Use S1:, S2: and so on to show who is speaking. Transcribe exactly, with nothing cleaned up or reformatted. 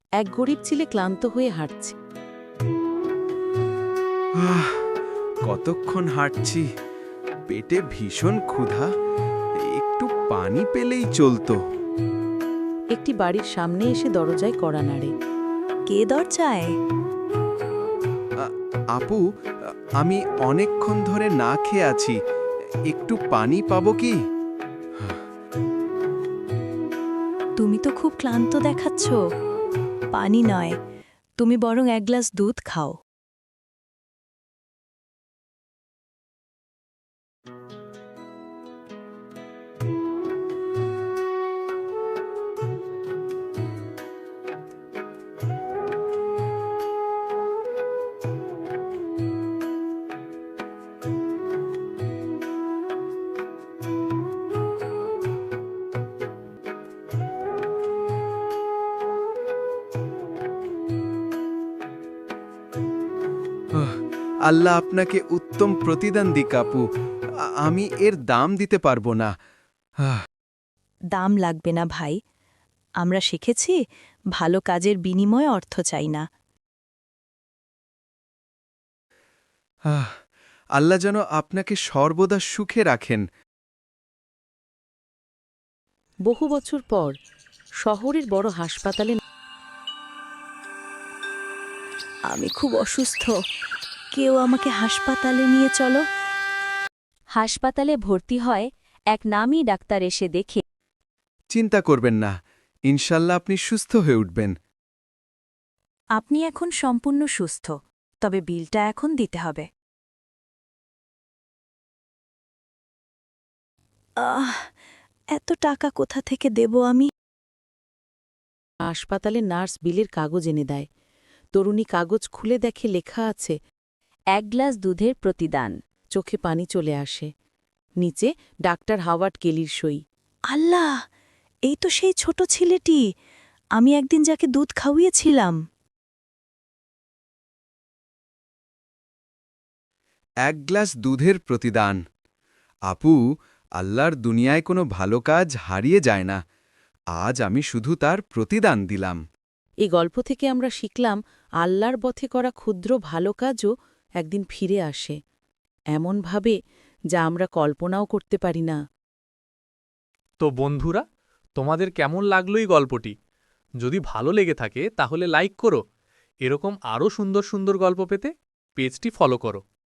S1: এক গরিব ছেলে ক্লান্ত হয়ে হাঁটছে।
S2: আহ, কতক্ষণ হাঁটছি, পেটে ভীষণ ক্ষুধা, একটু পানি পেলেই চলতো।
S1: একটি বাড়ির সামনে এসে দরজায় কড়া নাড়ে।
S3: কে দরজায়?
S2: আ- আপু, আমি অনেকক্ষণ ধরে না খেয়ে আছি, একটু পানি পাবো কি?
S3: তুমি তো খুব ক্লান্ত দেখাচ্ছ। পানি নয়, তুমি বরং এক গ্লাস দুধ খাও।
S2: আহ, আল্লাহ আপনাকে উত্তম প্রতিদান দিক আপু, আ- আমি এর দাম দিতে পারবো না। আহ,
S3: দাম লাগবে না ভাই, আমরা শিখেছি ভালো কাজের বিনিময়ে অর্থ চাই না।
S2: আহ, আল্লাহ যেন আপনাকে সর্বদা সুখে রাখেন।
S1: বহু বছর পর শহরের বড় হাসপাতালে
S3: আমি খুব অসুস্থ, কেউ আমাকে হাসপাতালে নিয়ে চলো।
S4: হাসপাতালে ভর্তি হয় এক নামী ডাক্তার এসে দেখে
S2: চিন্তা করবেন না, ইনশাল্লাহ আপনি সুস্থ হয়ে উঠবেন।
S3: আপনি এখন সম্পূর্ণ সুস্থ, তবে বিলটা এখন দিতে হবে। আহ, এত টাকা কোথা থেকে দেব আমি?
S1: হাসপাতালে নার্স বিলের কাগজ এনে দেয়। তরুণী কাগজ খুলে দেখে লেখা আছে।
S4: এক গ্লাস দুধের প্রতিদান।
S1: চোখে পানি চলে আসে। নিচে ডাক্তার হাওয়ার্ড কেলির সই।
S3: আল্লাহ, এই তো সেই ছোট ছেলেটি, আমি একদিন যাকে দুধ খাওয়িয়েছিলাম।
S2: এক গ্লাস দুধের প্রতিদান। আপু, আল্লাহর দুনিয়ায় কোনো ভালো কাজ হারিয়ে যায় না, আজ আমি শুধু তার প্রতিদান দিলাম।
S1: এই গল্প থেকে আমরা শিখলাম আল্লাহর পথে করা ক্ষুদ্র ভালো কাজও একদিন ফিরে আসে, এমনভাবে যা আমরা কল্পনাও করতে পারি না।
S5: তো বন্ধুরা, তোমাদের কেমন লাগলো এই গল্পটি? যদি ভালো লেগে থাকে তাহলে লাইক করো। এরকম আরও সুন্দর সুন্দর গল্প পেতে পেজটি ফলো করো।